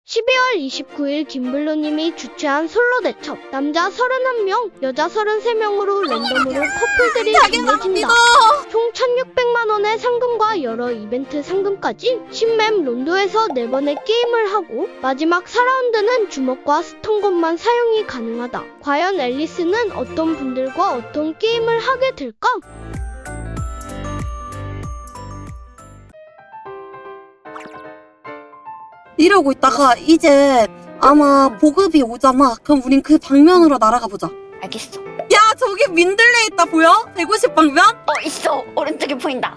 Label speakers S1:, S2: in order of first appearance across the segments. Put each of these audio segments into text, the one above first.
S1: 12월 29일 김블루님이 주최한 솔로 대첩 남자 31명, 여자 33명으로 랜덤으로 커플들이 정해진다. 총 1600만원의 상금과 여러 이벤트 상금까지 신맵 론도에서 4번의 게임을 하고 마지막 4라운드는 주먹과 스톤건만 사용이 가능하다. 과연 앨리스는 어떤 분들과 어떤 게임을 하게 될까?
S2: 이러고 있다가 이제 아마 보급이 오잖아. 그럼 우린 그 방면으로 날아가 보자.
S3: 알겠어.
S2: 야, 저기 민들레 있다 보여? 150 방면?
S3: 있어. 오른쪽에 보인다.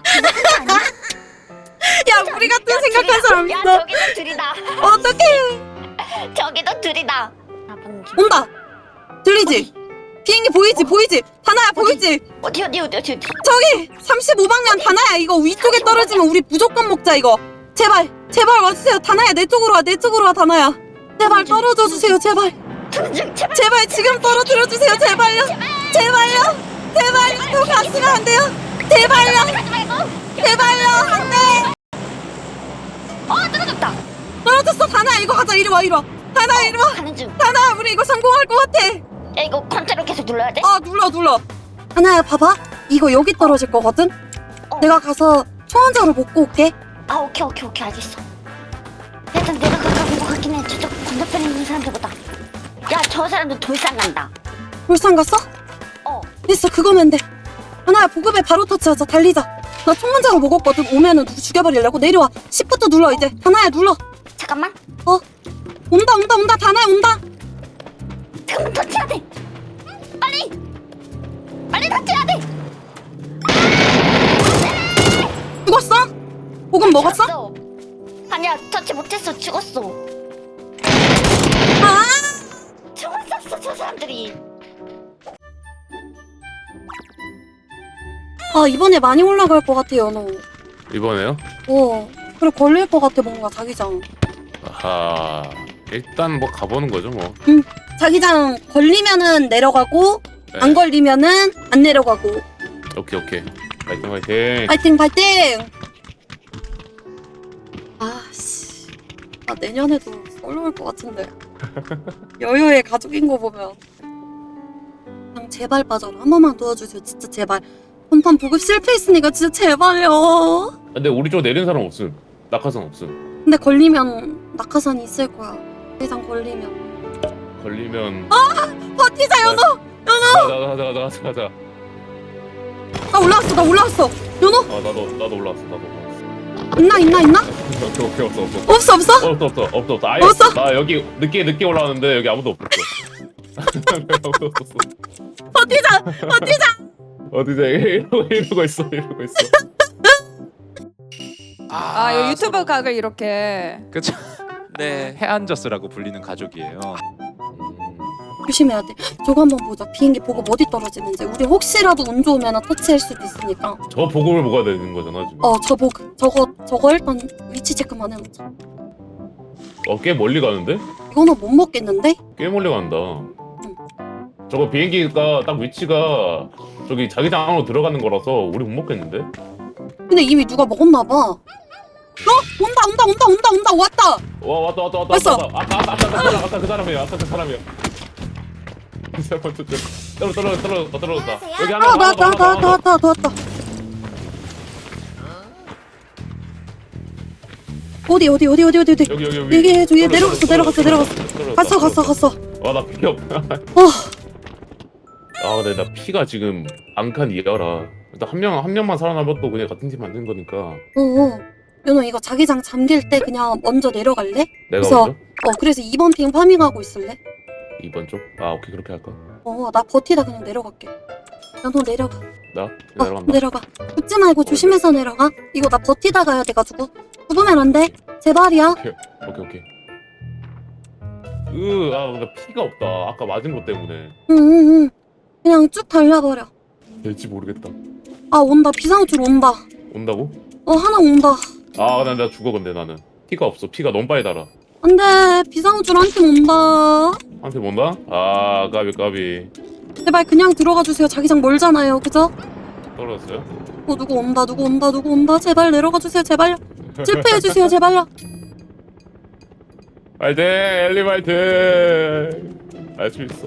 S2: 야, 우리 같은 생각한 사람
S3: 야,
S2: 있어.
S3: 저기도 둘이다.
S2: 어떡해.
S3: 저기도 둘이다. 나 방금
S2: 온다. 들리지? 비행기 보이지? 다나야 보이지?
S3: 어디.
S2: 저기 35방면 다나야. 이거 위쪽에 떨어지면 우리 무조건 먹자 이거. 제발 와주세요. 다나야 내 쪽으로 와 다나야. 제발 떨어져 주세요. 제발 지금 떨어뜨려 주세요. 제발요. 또 갔으면 안 돼요. 제발요. 안 돼.
S3: 떨어졌다.
S2: 떨어졌어. 다나야 이거 가자. 이리 와. 다나야 이리 와.
S3: 가는 중.
S2: 다나야 우리 이거 성공할 것 같아.
S3: 야, 이거 컨트롤 계속 눌러야 돼?
S2: 눌러. 다나야 봐봐. 이거 여기 떨어질 거거든. 내가 가서 초원자로 먹고 올게.
S3: 오케이, 알겠어. 일단 내가 가까운 것 같긴 해. 저쪽 건너편에 있는 사람들보다. 야, 저 사람들 돌산 간다.
S2: 울산 갔어? 됐어. 그거면 돼. 다나야 보급에 바로 터치하자. 달리자. 나 총문자로 먹었거든. 오면은 누구 죽여버리려고. 내려와. 10부터 눌러 이제. 다나야 눌러.
S3: 잠깐만.
S2: 온다. 다나야 온다.
S3: 잠깐만, 터치해야 돼. 빨리 터치해야 돼.
S2: 죽었어? 보급 먹었어?
S3: 죽었어. 아니야, 터치 못했어. 죽었어. 총을 쐈어, 저 사람들이.
S2: 이번에 많이 올라갈 것 같아 연호.
S4: 이번에요?
S2: 그래 걸릴 것 같아 뭔가 자기장.
S4: 아하, 일단 뭐 가보는 거죠 뭐.
S2: 자기장 걸리면은 내려가고
S4: 네.
S2: 안 걸리면은 안 내려가고.
S4: 오케이. 파이팅.
S2: 파이팅. 내년에도 솔로 올 것 같은데. 여유의 가족인 거 보면. 그냥 제발 빠져라. 한 번만 도와주세요. 진짜 제발. 본판 보급 실패했으니까 진짜 제발요.
S4: 근데 우리 쪽 내린 사람 없음. 낙하산 없음.
S2: 근데 걸리면 낙하산이 있을 거야. 자기장 걸리면. 버티자 연호.
S4: 가자.
S2: 나 올라왔어. 연호.
S4: 나도 올라왔어.
S2: 있나?
S4: 오케이.
S2: 없어?
S4: 없어. 아예
S2: 없어?
S4: 나 여기 늦게 올라왔는데 여기 아무도 없었어. 아무도 없었어.
S2: 버티자.
S4: 어디서 이러고 있어.
S5: 이 유튜브 각을 이렇게.
S6: 그쵸. 네, 해안저스라고 불리는 가족이에요.
S2: 조심해야 돼. 저거 한번 보자. 비행기 보급 어디 떨어지는지. 우리 혹시라도 운 좋으면 터치할 수도 있으니까.
S4: 저 보급을 먹어야 되는 거잖아 지금.
S2: 저 보급. 저거 일단 위치 체크만 해놓자.
S4: 꽤 멀리 가는데?
S2: 이거는 못 먹겠는데?
S4: 꽤 멀리 간다. 저거 비행기가 딱 위치가 저기 자기장 안으로 들어가는 거라서 우리 못 먹겠는데?
S2: 근데 이미 누가 먹었나봐. 온다. 왔다.
S4: 왔다.
S2: 왔어.
S4: 아까 그 사람이야. 이 사람 떨어졌다. 여기 하나
S2: 나왔다. 어디?
S4: 여기
S2: 얘 내려갔어. 갔어.
S4: 나 피 없다. 근데 나 피가 지금 앙칸 이하라. 일단 한 명만 살아남아도 그냥 같은 팀 만든 거니까.
S2: 연호 이거 자기장 잠길 때 그냥 먼저 내려갈래?
S4: 내가
S2: 그래서
S4: 먼저?
S2: 그래서 2번 핑 파밍하고 있을래?
S4: 2번 쪽? 오케이 그렇게 할까?
S2: 나 버티다 그냥 내려갈게. 연호 내려가.
S4: 나? 내려간다.
S2: 내려가. 붙지 말고 조심해서 내려가. 이거 나 버티다 가야 돼가지고. 죽으면 안 돼. 제발이야.
S4: 오케이. 나 피가 없다. 아까 맞은 것 때문에.
S2: 응. 그냥 쭉 달려버려.
S4: 될지 모르겠다.
S2: 온다. 비상호출 온다.
S4: 온다고?
S2: 하나 온다.
S4: 나 죽어 근데 나는. 피가 없어. 피가 너무 빨리 달아.
S2: 안 돼. 비상호출 한 팀 온다.
S4: 한테 온다? 까비.
S2: 제발 그냥 들어가 주세요. 자기장 멀잖아요. 그죠?
S4: 떨어졌어요?
S2: 누구 온다. 제발 내려가 주세요. 제발요. 실패해 주세요. 제발요.
S4: 화이팅 엘리 화이팅. 알 수 있어.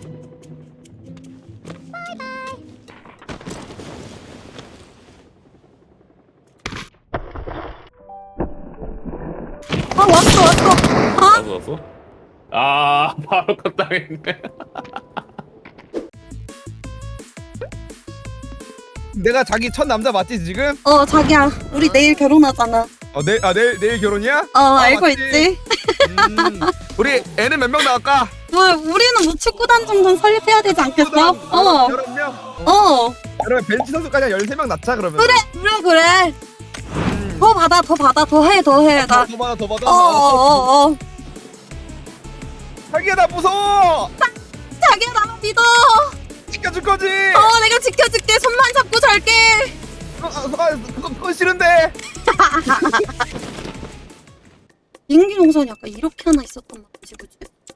S2: 왔어.
S4: 왔어? 아 바로 컷당했네.
S7: 내가 자기 첫 남자 맞지 지금?
S2: 자기야, 우리 내일 결혼하잖아.
S7: 내일 결혼이야?
S2: 알고
S7: 맞지?
S2: 있지?
S7: 우리 애는 몇 명 나갈까?
S2: 우리는 뭐 축구단 정도는 설립해야 되지 않겠어?
S7: 11명? 그러면 벤치 선수까지 한 13명 낳자 그러면.
S2: 그래. 더 받아, 더 해. 나.
S7: 더 받아. 자기야 나 무서워.
S2: 자기야, 나 믿어.
S7: 지켜줄 거지?
S2: 내가 지켜줄게. 손만 잡고 잘게.
S7: 그건 싫은데.
S2: 비행기 동선이 아까 이렇게 하나 있었단 말이지, 그치?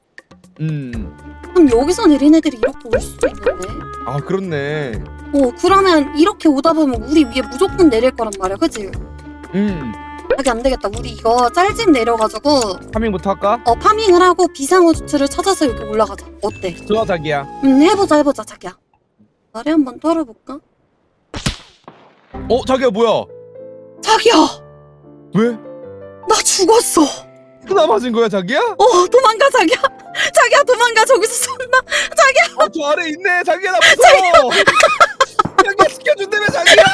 S2: 그럼 여기서 내린 애들이 이렇게 올 수도 있는데?
S7: 아 그렇네.
S2: 그러면 이렇게 오다 보면 우리 위에 무조건 내릴 거란 말이야, 그치? 자기 안 되겠다. 우리 이거 짤집 내려가지고
S7: 파밍부터 할까?
S2: 파밍을 하고 비상호주투를 찾아서 여기 올라가자. 어때?
S7: 좋아 자기야.
S2: 해보자 자기야. 말에 한번 떨어볼까?
S7: 자기야 뭐야?
S2: 자기야,
S7: 왜?
S2: 나 죽었어.
S7: 쓰나 맞은 거야 자기야?
S2: 도망가 자기야. 자기야 도망가. 저기서 쏜다. 자기야.
S7: 저 아래 있네 자기야 나 무서워. 자기야 지켜준다며 자기야.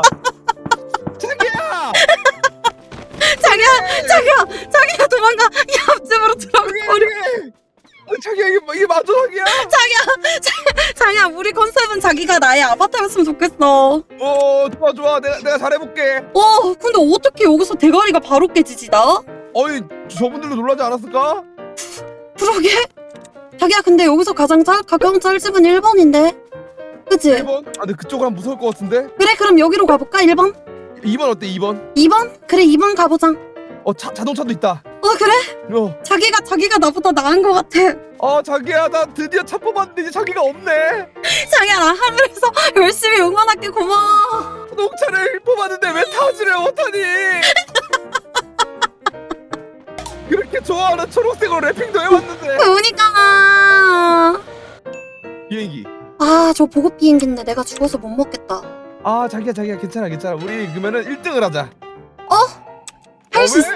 S2: 자기야 도망가. 이 앞집으로 들어가.
S7: 자기야 이게 맞아 자기야?
S2: 자기야, 우리 컨셉은 자기가 나의 아바타였으면 좋겠어.
S7: 좋아 내가 잘해볼게.
S2: 근데 어떻게 여기서 대가리가 바로 깨지지 나?
S7: 저분들도 놀라지 않았을까?
S2: 그러게. 자기야, 근데 여기서 가장 가까운 짤집은 1번인데. 그치?
S7: 1번? 근데 그쪽은 무서울 것 같은데?
S2: 그래, 그럼 여기로 가볼까? 1번?
S7: 2번 어때 2번?
S2: 2번? 그래, 2번 가보자.
S7: 자동차도 있다.
S2: 그래?
S7: 어.
S2: 자기가 나보다 나은 것 같아.
S7: 자기야 나 드디어 차 뽑았는데 이제 자기가 없네.
S2: 자기야, 나 하늘에서 열심히 응원할게. 고마워.
S7: 자동차를 뽑았는데 왜 타지를 못하니? 그렇게 좋아하는 초록색으로 래핑도 해왔는데.
S2: 그러니까.
S7: 비행기.
S2: 저 보급 비행기인데 내가 죽어서 못 먹겠다.
S7: 자기야 괜찮아 우리 그러면은 1등을 하자.
S2: 할 수 있어.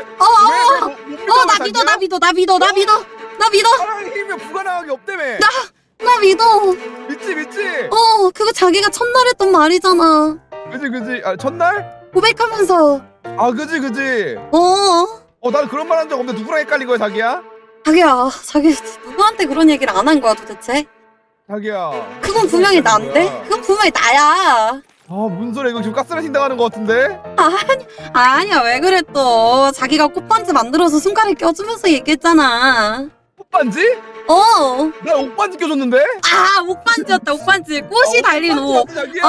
S2: 나 믿어.
S7: 사랑의 힘이 불가능하게 없다며.
S2: 나 믿어.
S7: 믿지
S2: 그거 자기가 첫날 했던 말이잖아.
S7: 그지 첫날?
S2: 고백하면서.
S7: 그지 나는 그런 말 한 적 없는데 누구랑 헷갈린 거야 자기야?
S2: 자기 누구한테 그런 얘기를 안 한 거야 도대체?
S7: 자기야
S2: 그건 분명히 난데? 그건 분명히 나야.
S7: 무슨 소리야 이거 지금 가스라이팅 당하는 거 같은데?
S2: 아니야, 왜 그래 또. 자기가 꽃반지 만들어서 손가락에 껴주면서 얘기했잖아.
S7: 옷반지? 나 옷반지 껴줬는데?
S2: 옷반지였다. 옷반지. 꽃이 달린 옷.
S7: 자기야.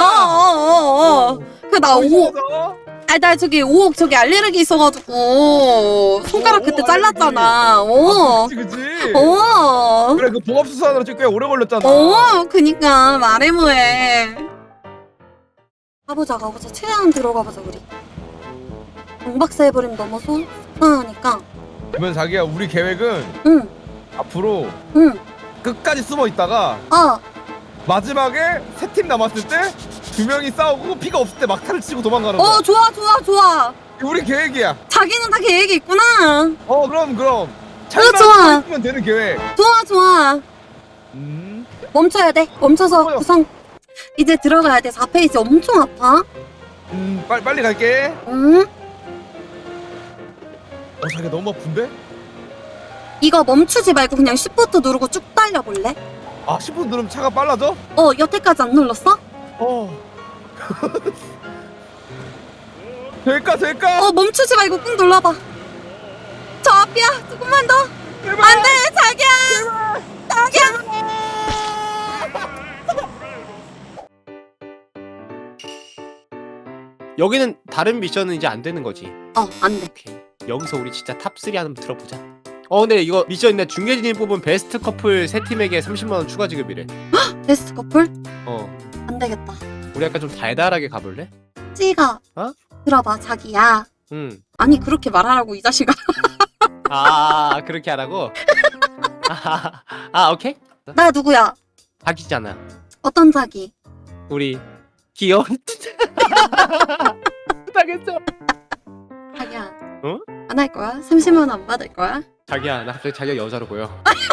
S2: 나 5억. 나 저기 5억 저기 알레르기 있어가지고 손가락 그때 잘랐잖아.
S7: 그치
S2: 그래,
S7: 그 봉합수사하느라 꽤 오래 걸렸잖아.
S2: 그니까 말해 뭐해. 가보자. 최대한 들어가보자 우리. 경박사 해버리면 너무 속상하니까.
S7: 그러면 자기야 우리 계획은
S2: 응.
S7: 앞으로 끝까지 숨어 있다가 마지막에 3팀 남았을 때 2명이 싸우고 피가 없을 때 막타를 치고 도망가는 거야.
S2: 좋아.
S7: 우리 계획이야.
S2: 자기는 다 계획이 있구나.
S7: 그럼
S2: 좋아.
S7: 있으면 되는 계획.
S2: 좋아. 멈춰야 돼. 멈춰서
S7: 뭐요?
S2: 구성. 이제 들어가야 돼. 4페이지 엄청 아파.
S7: 빨리 갈게.
S2: 응?
S7: 자기야 너무 아픈데?
S2: 이거 멈추지 말고 그냥 시프트 누르고 쭉 달려볼래?
S7: 10분 누르면 차가 빨라져?
S2: 여태까지 안 눌렀어?
S7: 될까?
S2: 멈추지 말고 꾹 눌러봐. 저 앞이야. 조금만 더.
S7: 제발.
S2: 안 돼, 자기야. 자기야.
S8: 여기는 다른 미션은 이제 안 되는 거지.
S2: 안 돼.
S8: 오케이. 여기서 우리 진짜 탑3 한번 들어보자. 근데 이거 미션 있네. 중계진이 뽑은 베스트 커플 3팀에게 30만원 추가 지급이래.
S2: 베스트 커플?
S8: 어.
S2: 안 되겠다.
S8: 우리 약간 좀 달달하게 가볼래?
S2: 찌가. 들어봐, 자기야.
S8: 응.
S2: 아니, 그렇게 말하라고, 이 자식아.
S8: 아 그렇게 하라고? 오케이.
S2: 나 누구야?
S8: 자기잖아.
S2: 어떤 자기?
S8: 우리 귀여운 당했어.
S2: 자기야.
S8: 어?
S2: 안 할 거야? 30만 원 안 받을 거야?
S8: 자기야 나 갑자기 자기가 여자로 보여.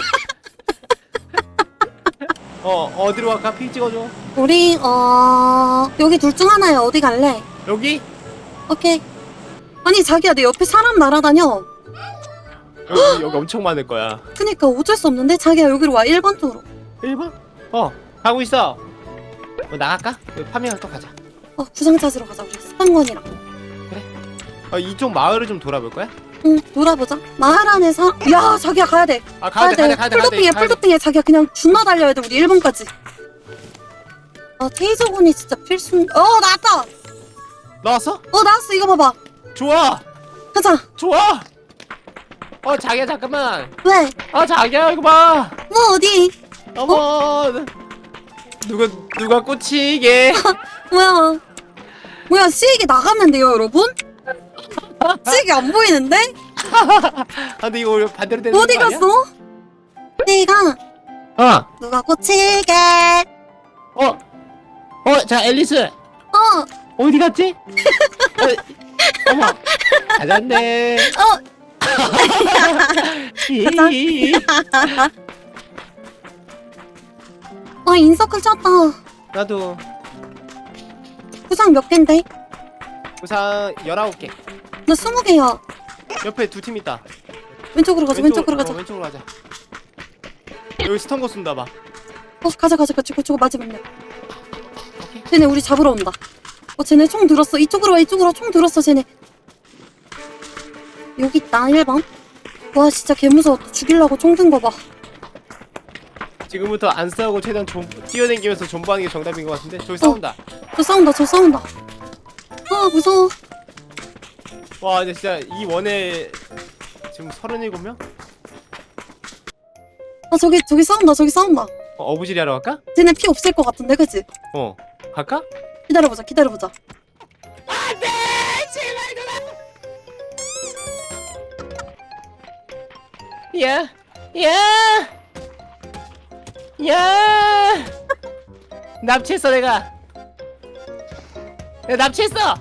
S8: 어디로 갈까? 픽 찍어줘.
S2: 우리 여기 둘 중 하나야. 어디 갈래?
S8: 여기?
S2: 오케이. 아니 자기야 내 옆에 사람 날아다녀.
S8: 여기 엄청 많을 거야.
S2: 그니까 어쩔 수 없는데 자기야 여기로 와. 1번 쪽으로.
S8: 1번? 가고 있어. 나갈까? 파밍을 또 가자.
S2: 구상 찾으러 가자. 우리 스판건이랑.
S8: 이쪽 마을을 좀 돌아볼 거야?
S2: 응 놀아보자. 마을 안에서 야 자기야 가야 돼.
S8: 가야 돼.
S2: 풀도핑해. 자기야 그냥 존나 달려야 돼. 우리 1번까지. 테이저건이 진짜 필수. 나왔다.
S8: 나왔어?
S2: 나왔어. 이거 봐봐.
S8: 좋아.
S2: 가자.
S8: 좋아. 자기야 잠깐만.
S2: 왜?
S8: 자기야 이거 봐.
S2: 뭐 어디?
S8: 어머. 누가 꽂히게.
S2: 뭐야 시익이 나갔는데요 여러분? 시익이 안 보이는데?
S8: 근데 이거 반대로 되는 거
S2: 어디
S8: 아니야?
S2: 갔어? 시익아 누가 꽂히게.
S8: 자 앨리스
S2: 어
S8: 어디 갔지? 어머 찾았네.
S2: 인서클 쳤다.
S8: 나도
S2: 구상 몇 갠데?
S8: 우선 19개.
S2: 나 20개야.
S8: 옆에 두 팀 있다.
S2: 왼쪽으로 가자. 왼쪽으로 가자.
S8: 왼쪽으로 가자. 여기 스턴거 쏜다 봐.
S2: 가자. 그쪽으로 맞으면 돼. 쟤네 우리 잡으러 온다. 쟤네 총 들었어. 이쪽으로 와. 총 들었어 쟤네. 여기 있다 1번. 와 진짜 개무서웠다. 죽이려고 총 든 거 봐.
S8: 지금부터 안 싸우고 최대한 뛰어다니면서 존버하는 게 정답인 것 같은데. 저기 싸운다.
S2: 저 싸운다. 무서워.
S8: 와 근데 진짜 이 원에 지금 37명?
S2: 저기 싸운다.
S8: 어부지리 하러 갈까?
S2: 쟤네 피 없을 것 같은데 그치?
S8: 갈까?
S2: 기다려보자.
S8: 야 납치했어 내가 납치했어.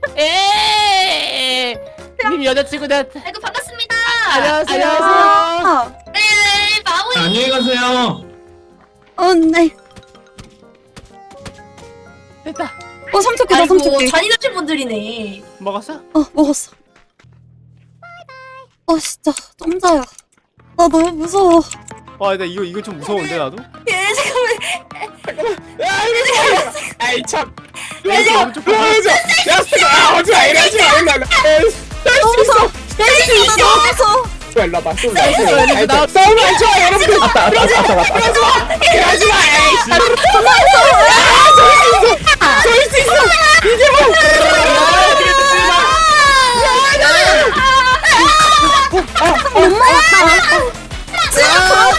S8: 님 여자친구 나한테.
S3: 아이고 반갑습니다.
S8: 안녕하세요.
S3: 네 마무리.
S7: 안녕히 가세요.
S2: 네.
S8: 됐다.
S2: 삼촌기다.
S3: 잔인하신 분들이네.
S8: 먹었어?
S2: 먹었어. 진짜 점자야. 너무 무서워.
S8: 근데 이거 좀 무서운데 나도?
S3: 예 잠깐만.
S8: 아이 참.
S2: 너무 무서워.
S8: 싸우면 안 좋아 여러분들. 이러지 마. 저일 수 있어. 이게 뭐?
S2: 못 먹었다. 지가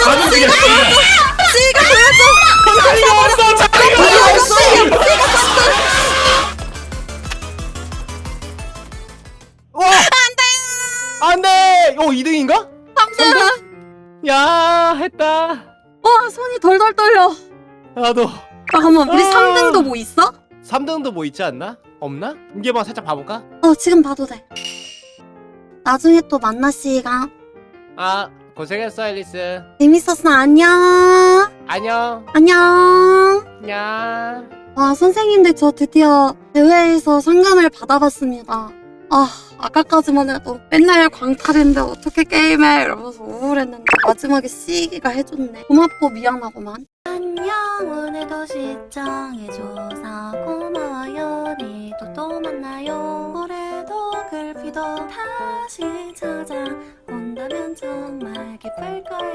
S8: 안돼. 2등인가? 3등? 야 했다.
S2: 손이 덜덜 떨려.
S8: 나도.
S2: 잠깐만 우리 3등도 뭐 있어?
S8: 3등도 뭐 있지 않나? 없나? 이게만 살짝 봐볼까?
S2: 지금 봐도 돼. 나중에 또 만나 씨가.
S8: 고생했어 앨리스.
S2: 재밌었어. 안녕.
S8: 안녕.
S2: 선생님들 저 드디어 대회에서 상금을 받아봤습니다. 아까까지만 해도 맨날 광탈인데 어떻게 게임해 이러면서 우울했는데 마지막에 시기가 해줬네. 고맙고 미안하고만.
S9: 안녕 오늘도 시청해줘서 고마워요. 내일도 또 만나요. 올해도 글피도 다시 찾아온다면 정말 기쁠 거예요.